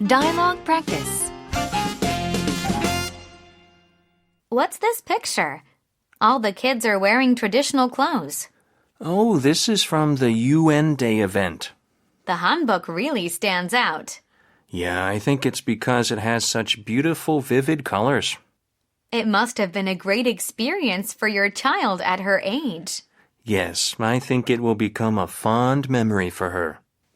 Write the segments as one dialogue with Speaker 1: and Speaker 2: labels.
Speaker 1: Dialogue practice. What's this picture? All the kids are wearing traditional clothes.
Speaker 2: Oh, this is from the UN Day event.
Speaker 1: The hanbok really stands out.
Speaker 2: Yeah, I think it's because it has such beautiful, vivid colors.
Speaker 1: It must have been a great experience for your child at her age.
Speaker 2: Yes, I think it will become a fond memory for her.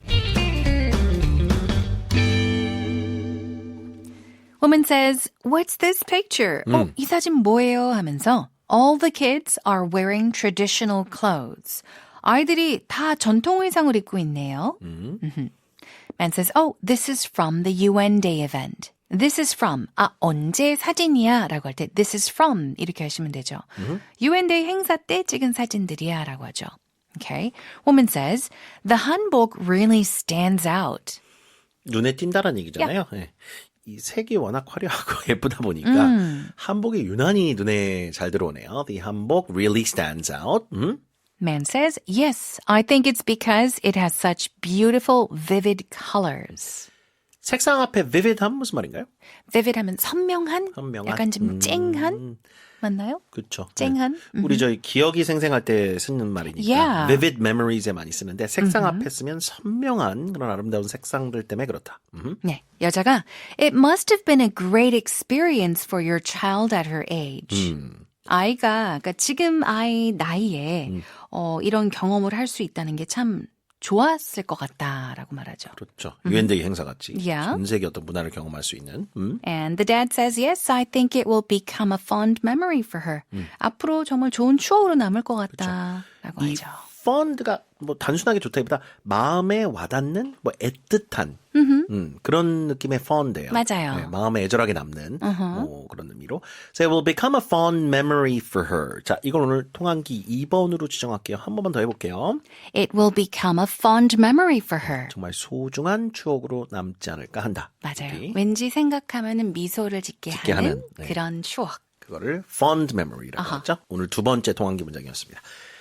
Speaker 3: Woman says, "What's this picture?" 이 사진 뭐예요? 하면서 all the kids are wearing traditional clothes. 아이들이 다 전통 의상을 입고 있네요. Man says, "Oh, this is from the UN Day event." This is from. 언제 사진이야? 라고 할 때 this is from 이렇게 하시면 되죠. UN Day 행사 때 찍은 사진들이야 라고 하죠. Okay. Woman says, "The hanbok really stands out."
Speaker 4: 눈에 띈다는 얘기잖아요. 네. 이 색이 워낙 화려하고 예쁘다 보니까 한복이 유난히 눈에 잘 들어오네요. The hanbok really stands out.
Speaker 3: Man says, "Yes, I think it's because it has such beautiful, vivid colors."
Speaker 4: 색상 앞에 vivid함 무슨 말인가요?
Speaker 3: vivid 하면 선명한?
Speaker 4: 선명한?
Speaker 3: 약간 좀 쨍한? 맞나요?
Speaker 4: 그렇죠.
Speaker 3: 쨍한?
Speaker 4: 네. 우리 저희 기억이 생생할 때 쓰는 말이니까
Speaker 3: Yeah.
Speaker 4: vivid memories에 많이 쓰는데 색상 앞에 쓰면 선명한 그런 아름다운 색상들 때문에 그렇다.
Speaker 3: 네, 여자가 It must have been a great experience for your child at her age. 아이가 그러니까 지금 아이 나이에 이런 경험을 할 수 있다는 게 참 좋았을 것 같다라고 말하죠.
Speaker 4: 그렇죠. 유엔데이 행사 같이
Speaker 3: Yeah.
Speaker 4: 전 세계 어떤 문화를 경험할 수 있는.
Speaker 3: And the dad says, yes, I think it will become a fond memory for her. 앞으로 정말 좋은 추억으로 남을 것 같다라고
Speaker 4: 이
Speaker 3: 하죠.
Speaker 4: fond가 뭐 단순하게 좋다기보다 마음에 와닿는 뭐 애틋한 그런 느낌의 fond예요.
Speaker 3: 맞아요.
Speaker 4: 네, 마음에 애절하게 남는 뭐 그런 의미로. So it will become a fond memory for her. 자, 이걸 오늘 통한기 2번으로 지정할게요. 한 번만 더 해볼게요.
Speaker 3: It will become a fond memory for her.
Speaker 4: 정말 소중한 추억으로 남지 않을까 한다.
Speaker 3: 맞아요.
Speaker 4: 여기.
Speaker 3: 왠지 생각하면은 미소를 짓게 하는
Speaker 4: 네.
Speaker 3: 그런 추억.
Speaker 4: 그거를 fond memory라고 하죠. 오늘 두 번째 통한기 문장이었습니다.